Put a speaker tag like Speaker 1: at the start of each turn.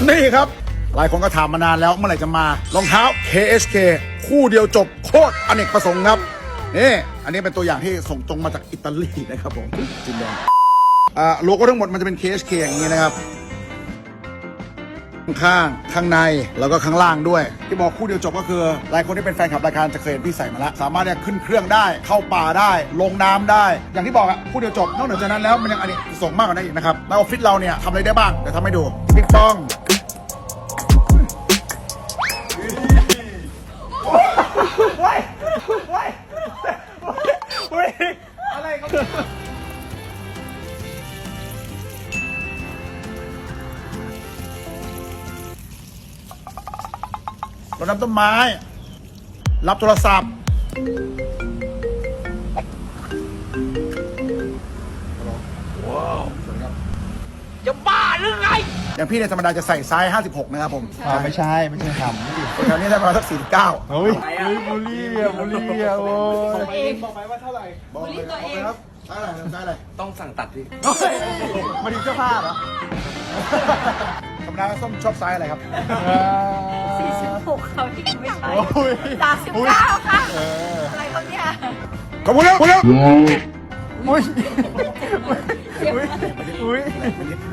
Speaker 1: นี่ครับหลายคนก็ถามมานานแล้วเมื่อไหร่จะมารองเท้า KSK คู่เดียวจบโคตรอเนกประสงค์ครับนี่อันนี้เป็นตัวอย่างที่ส่งตรงมาจากอิตาลีนะครับผมจินแดงโลโก้ทั้งหมดมันจะเป็น KSK อย่างนี้นะครับข้างข้างในแล้วก็ข้างล่างด้วยที่บอกคู่เดียวจบก็คือหลายคนที่เป็นแฟนคลับรายการจะเคยเห็นพี่ใส่มาแล้วสามารถเนี่ยขึ้นเครื่องได้เข้าป่าได้ลงน้ำได้อย่างที่บอกอะคู่เดียวจบนอกเหนือจากนั้นแล้วมันยังอันนี้ส่งมากกว่านั้นอีกนะครับแล้วออฟฟิศเราเนี่ยทำอะไรได้บ้างเดี๋ยวทำให้ดูปิ๊กปองอะไรครับรดน้ำต้นไม้รับโทรศัพท์ว้าวสวัสดีครับจะบ้าหรือไงอย่างพี่เนี่ยธรรมดาจะใส่ไซส์56นะครับผม
Speaker 2: ไม่ใช่ทำไม่ดิ
Speaker 1: แถวนี้ได้ประมาณสัก49
Speaker 2: เฮ้ยบุลี่อ่ะโอ้ย
Speaker 1: บอกไปว่าเท่าไหร่บอกเลยครับใช่อะไร
Speaker 3: ต้องสั่งตัดพี่
Speaker 2: มาดูเสื้อผ้าเหรอ
Speaker 1: ธรรมดาส้มชอบไซส์อะไรครับ
Speaker 4: 46เขาที่ไม่ใช่39ค่ะอะไรเขาเนี่ย
Speaker 1: ขอบคุณครับ
Speaker 2: อุ้ย